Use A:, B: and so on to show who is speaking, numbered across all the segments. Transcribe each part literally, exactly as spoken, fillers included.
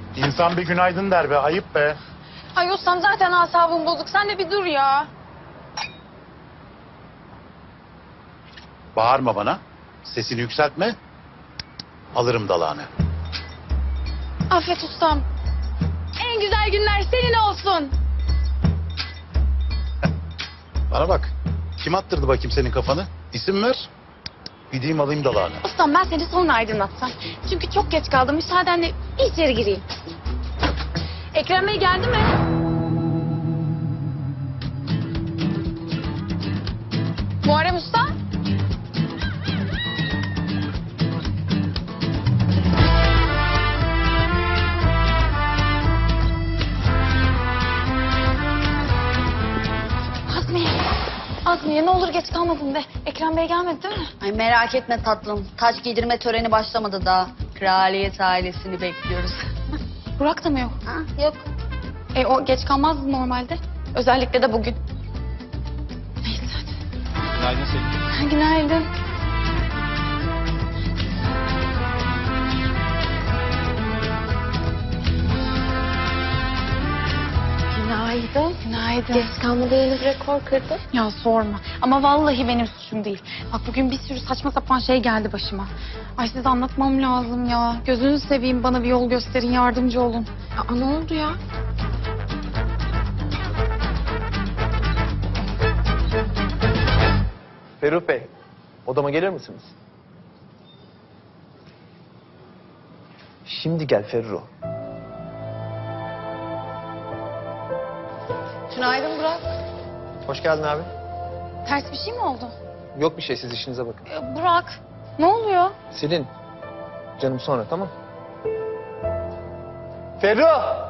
A: İnsan bir günaydın der be, ayıp be.
B: Ay ustam zaten asabım bozuk. Sen de bir dur ya.
A: Bağırma bana, sesini yükseltme. Alırım dalağını.
B: Affet ustam. En güzel günler senin olsun.
A: Bana bak, kim attırdı bakayım senin kafanı? İsim ver, gideyim alayım dalağını.
B: Ustam ben seni sonra aydınlatsam. Çünkü çok geç kaldım. Müsaadenle bir içeri gireyim. Ekrem Bey geldi mi? Muharrem Usta? Azmiye. Azmiye ne olur geç kalmadın de. Ekrem Bey gelmedi değil mi?
C: Ay merak etme tatlım. Taç giydirme töreni başlamadı daha. Kraliyet ailesini bekliyoruz.
B: Burak da mı yok?
C: Ha, yok.
B: E o geç kalmazdı normalde. Özellikle de bugün. Neyse hadi.
D: Günaydın Selin.
B: Günaydın.
E: Günaydın.
B: Günaydın.
E: Geç kalmada yeni bir rekor kırdın.
B: Ya sorma. Ama vallahi benim suçum değil. Bak bugün bir sürü saçma sapan şey geldi başıma. Ay size anlatmam lazım ya. Gözünüzü seveyim bana bir yol gösterin, yardımcı olun.
E: Aa, ne oldu ya?
D: Ferruh Bey, odama gelir misiniz? Şimdi gel Ferruh.
E: Günaydın Burak.
D: Hoş geldin abi.
B: Ters bir şey mi oldu?
D: Yok bir şey, siz işinize bakın.
B: Ee, Burak, ne oluyor?
D: Selin, canım sonra, tamam? Ferruh!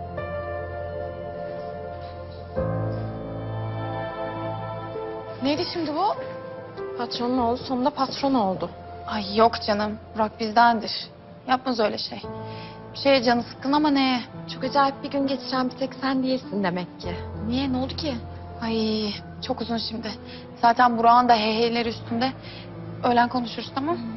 B: Neydi şimdi bu?
E: Patronun oğlu sonunda patron oldu.
B: Ay yok canım. Burak bizdendir. Yapmaz öyle şey. Bir şeye canı sıkkın ama neye?
E: Çok acayip bir gün geçiren bir tek sen değilsin demek ki.
B: Niye? Ne oldu ki? Ay çok uzun şimdi. Zaten Burak'ın da heyheyleri üstünde. Öğlen konuşuruz tamam mı?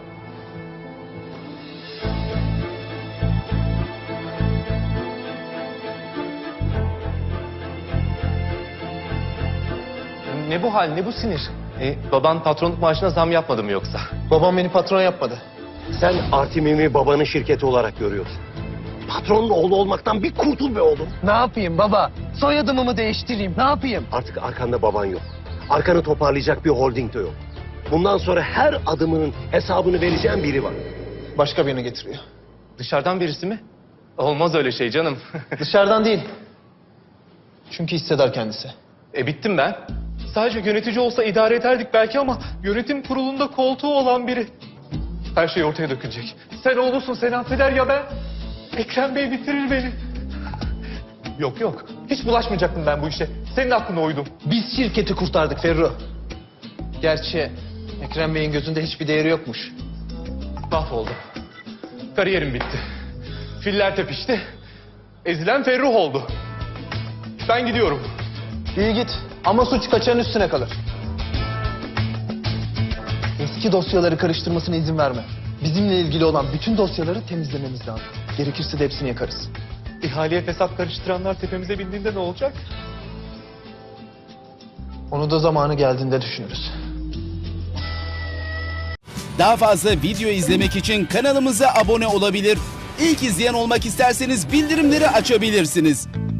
F: Ne bu hal, ne bu sinir? E, baban patronluk maaşına zam yapmadı mı yoksa?
D: Babam beni patron yapmadı.
G: Sen Artimim'i babanın şirketi olarak görüyorsun. Patronun oğlu olmaktan bir kurtul be oğlum.
D: Ne yapayım baba? Soyadımı mı değiştireyim, ne yapayım?
G: Artık arkanda baban yok. Arkanı toparlayacak bir holding de yok. Bundan sonra her adımının hesabını vereceğin biri var.
D: Başka birini getiriyor.
F: Dışarıdan birisi mi? Olmaz öyle şey canım.
D: Dışarıdan değil. Çünkü hisseder kendisi.
F: E bittim ben. Sadece yönetici olsa idare ederdik belki ama yönetim kurulunda koltuğu olan biri. Her şey ortaya dökülecek. Sen oğlusun, sen affeder ya ben. Ekrem Bey bitirir beni. Yok yok, hiç bulaşmayacaktım ben bu işe. Senin aklına uydum.
D: Biz şirketi kurtardık Ferruh. Gerçi Ekrem Bey'in gözünde hiçbir değeri yokmuş.
F: Mahvoldum. Kariyerim bitti. Filler tepişti. Ezilen Ferruh oldu. Ben gidiyorum.
D: İyi git ama suç kaçanın üstüne kalır. Eski dosyaları karıştırmasına izin verme. Bizimle ilgili olan bütün dosyaları temizlememiz lazım. Gerekirse de hepsini yakarız.
F: İhaleye fesat karıştıranlar tepemize bindiğinde ne olacak?
D: Onu da zamanı geldiğinde düşünürüz.
H: Daha fazla video izlemek için kanalımıza abone olabilir. İlk izleyen olmak isterseniz bildirimleri açabilirsiniz.